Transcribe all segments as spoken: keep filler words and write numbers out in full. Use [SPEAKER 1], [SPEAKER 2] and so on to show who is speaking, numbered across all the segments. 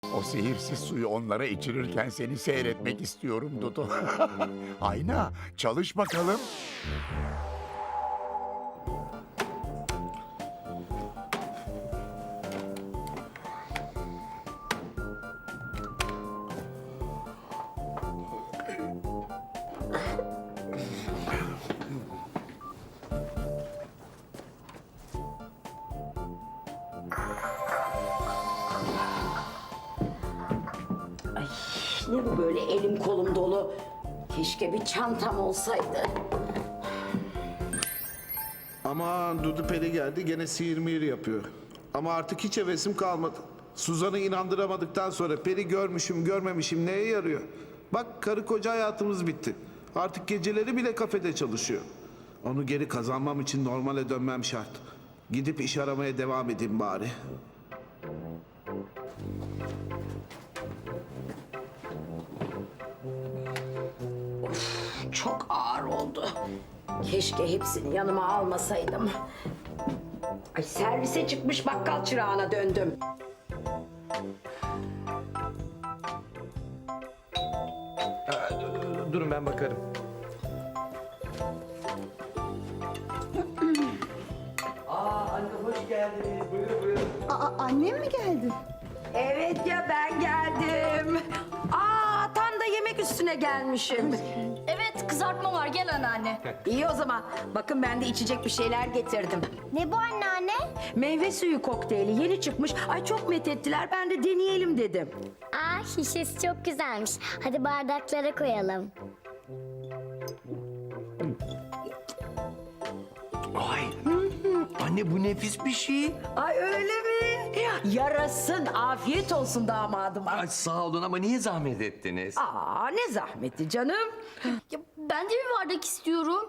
[SPEAKER 1] O sihirsiz suyu onlara içirirken seni seyretmek istiyorum Dudu. Ayna, çalış bakalım.
[SPEAKER 2] Ne bu böyle elim kolum dolu? Keşke bir çantam olsaydı.
[SPEAKER 3] Aman Dudu Peri geldi gene sihir mihir yapıyor. Ama artık hiç hevesim kalmadı. Suzan'ı inandıramadıktan sonra Peri görmüşüm görmemişim neye yarıyor? Bak karı koca hayatımız bitti. Artık geceleri bile kafede çalışıyor. Onu geri kazanmam için normale dönmem şart. Gidip iş aramaya devam edeyim bari.
[SPEAKER 2] Çok ağır oldu. Keşke hepsini yanıma almasaydım. Ay, servise çıkmış bakkal çırağına döndüm.
[SPEAKER 4] Durun ben bakarım. Aa anne hoş geldiniz. Buyurun buyurun.
[SPEAKER 5] Aa, annem mi geldi?
[SPEAKER 2] Evet ya, ben geldim. Aa, tam da yemek üstüne gelmişim.
[SPEAKER 6] Evet, kızartma var. Gel anneanne.
[SPEAKER 2] İyi o zaman. Bakın ben de içecek bir şeyler getirdim.
[SPEAKER 6] Ne bu anneanne?
[SPEAKER 2] Meyve suyu kokteyli yeni çıkmış. Ay çok methettiler. Ben de deneyelim dedim.
[SPEAKER 6] Aa, şişesi çok güzelmiş. Hadi bardaklara koyalım.
[SPEAKER 4] Ay. Anne bu nefis bir şey.
[SPEAKER 2] Ay öyle mi? Yarasın. Afiyet olsun damadıma.
[SPEAKER 4] Ay sağ olun ama niye zahmet ettiniz?
[SPEAKER 2] Aa, ne zahmeti canım.
[SPEAKER 6] Ya, ben de bir bardak istiyorum.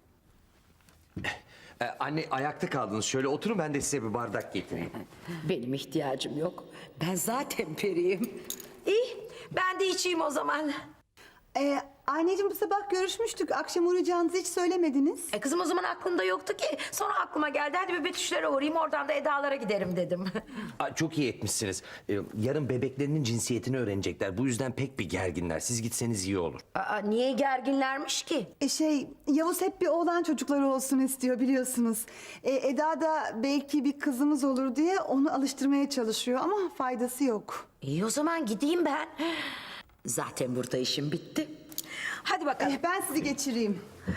[SPEAKER 4] Ee, anne ayakta kaldınız. Şöyle oturun ben de size bir bardak getireyim.
[SPEAKER 2] Benim ihtiyacım yok. Ben zaten periyim. İyi, ben de içeyim o zaman.
[SPEAKER 5] Ee, anneciğim bu sabah görüşmüştük. Akşam uğrayacağınızı hiç söylemediniz.
[SPEAKER 2] E kızım o zaman aklımda yoktu ki. Sonra aklıma geldi. Hadi bir Betüşlere uğrayayım. Oradan da Eda'lara giderim dedim.
[SPEAKER 4] Ay, çok iyi etmişsiniz. Ee, yarın bebeklerinin cinsiyetini öğrenecekler. Bu yüzden pek bir gerginler. Siz gitseniz iyi olur.
[SPEAKER 2] Aa, niye gerginlermiş ki?
[SPEAKER 5] E şey, Yavuz hep bir oğlan çocukları olsun istiyor biliyorsunuz. E, Eda da belki bir kızımız olur diye onu alıştırmaya çalışıyor ama faydası yok.
[SPEAKER 2] İyi o zaman gideyim ben. Zaten burada işim bitti. Hadi bakalım.
[SPEAKER 5] Eh, ben sizi geçireyim.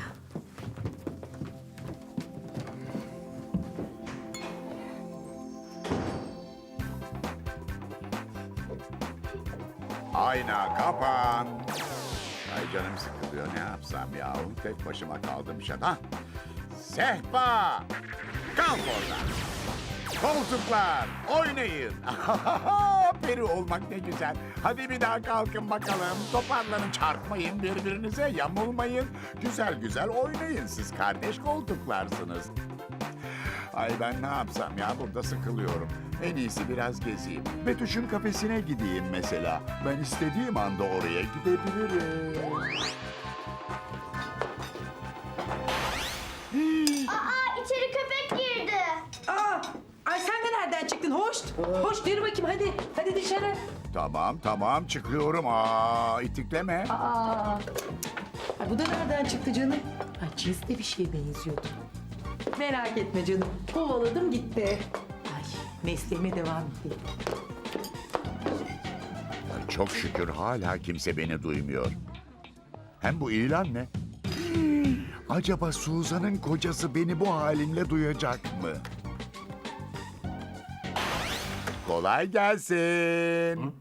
[SPEAKER 1] Ayna kapan. Ay canım sıkılıyor, ne yapsam ya? Tek başıma kaldım şaka. Hah! Sehpa! Kalk oradan. Koltuklar, oynayın. Peri olmak ne güzel. Hadi bir daha kalkın bakalım. Toparlanın, çarpmayın birbirinize, yamulmayın. Güzel güzel oynayın, siz kardeş koltuklarsınız. Ay ben ne yapsam ya, burada sıkılıyorum. En iyisi biraz gezeyim. Betüş'ün kafesine gideyim mesela. Ben istediğim anda oraya gidebilirim.
[SPEAKER 6] Aa, içeri köpek girdi.
[SPEAKER 7] Aa, ay sen de nereden çıktın? Hoş. Hoş yürü bakayım hadi. Hadi dışarı.
[SPEAKER 1] Tamam tamam çıkıyorum. Aa itikleme.
[SPEAKER 7] Aa. Ay bu da nereden çıktı canım? Ay cinsli bir şeye benziyordu. Merak etme canım. Kovaladım gitti. Ay mesleğime devam edeyim.
[SPEAKER 1] Ay, çok şükür hala kimse beni duymuyor. Hem bu ilan ne? Acaba Suzan'ın kocası beni bu halimle duyacak mı? Kolay gelsin.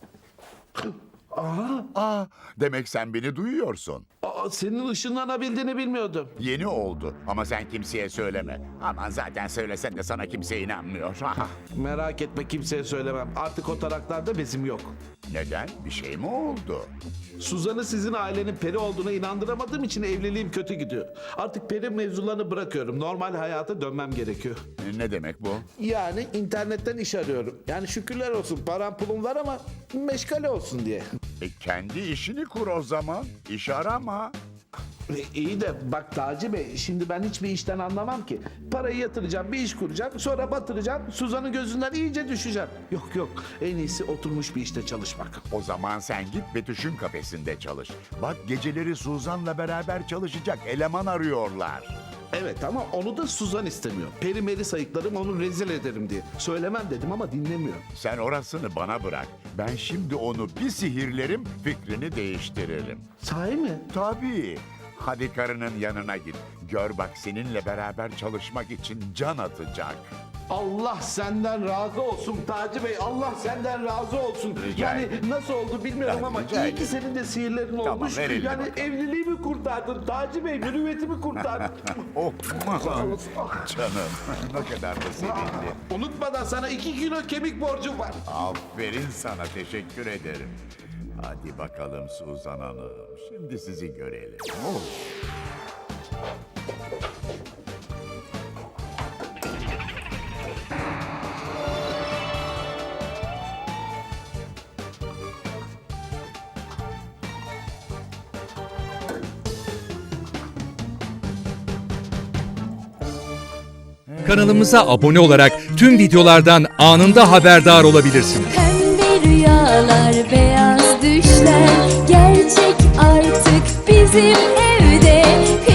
[SPEAKER 3] Aha,
[SPEAKER 1] Aa, demek sen beni duyuyorsun.
[SPEAKER 3] aa, senin ışınlanabildiğini bilmiyordum.
[SPEAKER 1] Yeni oldu ama sen kimseye söyleme. Aman zaten söylesen de sana kimse inanmıyor.
[SPEAKER 3] Merak etme kimseye söylemem. Artık o taraklarda bezim yok.
[SPEAKER 1] Neden? Bir şey mi oldu?
[SPEAKER 3] Suzan'ı sizin ailenin peri olduğuna inandıramadığım için evliliğim kötü gidiyor. Artık peri mevzularını bırakıyorum. Normal hayata dönmem gerekiyor.
[SPEAKER 1] Ne demek bu?
[SPEAKER 3] Yani internetten iş arıyorum. Yani şükürler olsun param pulum var ama meşgale olsun diye.
[SPEAKER 1] E kendi işini kur o zaman. İş arama.
[SPEAKER 3] E, İyi de bak Taci Bey, şimdi ben hiçbir işten anlamam ki. Parayı yatıracağım, bir iş kuracağım, sonra batıracağım, Suzan'ın gözünden iyice düşeceğim. Yok yok, en iyisi oturmuş bir işte çalışmak.
[SPEAKER 1] O zaman sen git Betüş'ün kafesinde çalış. Bak geceleri Suzan'la beraber çalışacak eleman arıyorlar.
[SPEAKER 3] Evet ama onu da Suzan istemiyor. Peri meri sayıklarım, onu rezil ederim diye. Söylemem dedim ama dinlemiyor.
[SPEAKER 1] Sen orasını bana bırak. Ben şimdi onu bir sihirlerim, fikrini değiştiririm.
[SPEAKER 3] Sahi mi?
[SPEAKER 1] Tabii. Hadi karının yanına git. Gör bak seninle beraber çalışmak için can atacak.
[SPEAKER 3] Allah senden razı olsun Taci Bey. Allah senden razı olsun.
[SPEAKER 1] Rica
[SPEAKER 3] yani
[SPEAKER 1] ederim.
[SPEAKER 3] nasıl oldu bilmiyorum
[SPEAKER 1] Yani
[SPEAKER 3] ama
[SPEAKER 1] rica
[SPEAKER 3] iyi ki
[SPEAKER 1] ederim.
[SPEAKER 3] senin de sihirlerin
[SPEAKER 1] Tamam,
[SPEAKER 3] olmuş.
[SPEAKER 1] ver elini
[SPEAKER 3] Yani
[SPEAKER 1] bakalım.
[SPEAKER 3] evliliğimi kurtardın Taci Bey. Mürüvvetimi kurtardın.
[SPEAKER 1] Oh
[SPEAKER 3] Sağ olasın.
[SPEAKER 1] canım ne kadar da sevindim.
[SPEAKER 3] Unutmadan sana iki kilo kemik borcum var.
[SPEAKER 1] Aferin sana, teşekkür ederim. Hadi bakalım Suzan Hanım. Şimdi sizi görelim. Oh.
[SPEAKER 8] Kanalımıza abone olarak tüm videolardan anında haberdar olabilirsiniz.
[SPEAKER 9] Pembe rüyalar, beyaz düşler gerçek artık bizim evde.